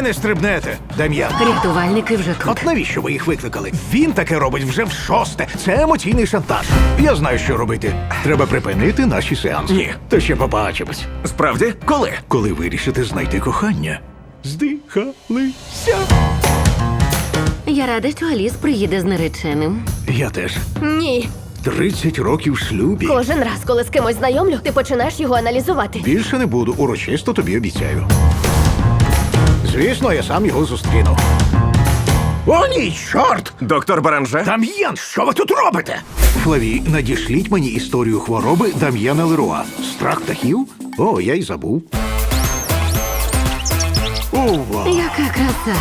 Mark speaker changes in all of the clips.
Speaker 1: не стрибнете, Дем'ян.
Speaker 2: Рятувальники вже тут.
Speaker 1: От навіщо ви їх викликали? Він таке робить вже в-6. Це емоційний шантаж. Я знаю, що робити. Треба припинити наші сеанси.
Speaker 3: Ні.
Speaker 1: То ще побачимось.
Speaker 3: Справді? Коли?
Speaker 1: Коли вирішите знайти кохання. Здихалися.
Speaker 2: Я рада, що Аліс приїде з нареченим.
Speaker 1: Я теж.
Speaker 4: Ні.
Speaker 1: 30 років в шлюбі.
Speaker 4: Кожен раз, коли з кимось знайомлю, ти починаєш його аналізувати.
Speaker 1: Більше не буду, урочисто тобі обіцяю. Звісно, я сам його зустріну. О, ні, чорт!
Speaker 3: Доктор Баранже?
Speaker 1: Дам'ян, що ви тут робите? Флаві, надішліть мені історію хвороби Дам'яна Леруа. Страх птахів? О, я й забув. Ова!
Speaker 2: Яка краса.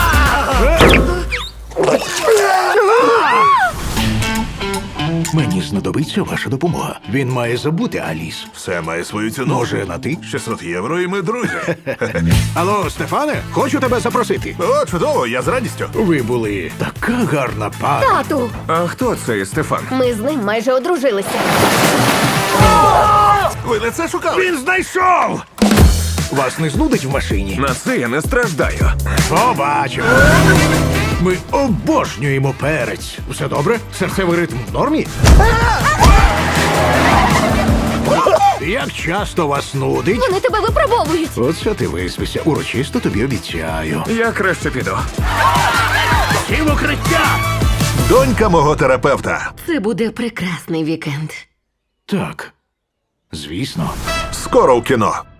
Speaker 1: Мені знадобиться ваша допомога. Він має забути Аліс.
Speaker 5: Все має свою ціну.
Speaker 1: Може, на ти?
Speaker 5: 600 євро і ми друзі.
Speaker 1: Алло, Стефане, хочу тебе запросити.
Speaker 5: О, чудово, я з радістю.
Speaker 1: Ви були така гарна пара.
Speaker 4: Тату!
Speaker 3: А хто цей Стефан?
Speaker 4: Ми з ним майже одружилися.
Speaker 5: Ви не це шукали?
Speaker 1: Він знайшов! Вас не знудить в машині?
Speaker 3: На це я не страждаю.
Speaker 1: Побачимо. Ми обожнюємо перець. Все добре? Серцевий ритм в нормі? Як часто вас нудить?
Speaker 4: Вони тебе випробовують.
Speaker 1: Оце ти виспися. Урочисто тобі обіцяю.
Speaker 3: Я краще піду.
Speaker 1: Всі в укриття!
Speaker 5: Донька мого терапевта.
Speaker 2: Це буде прекрасний вікенд.
Speaker 1: Так, звісно.
Speaker 5: Скоро в кіно.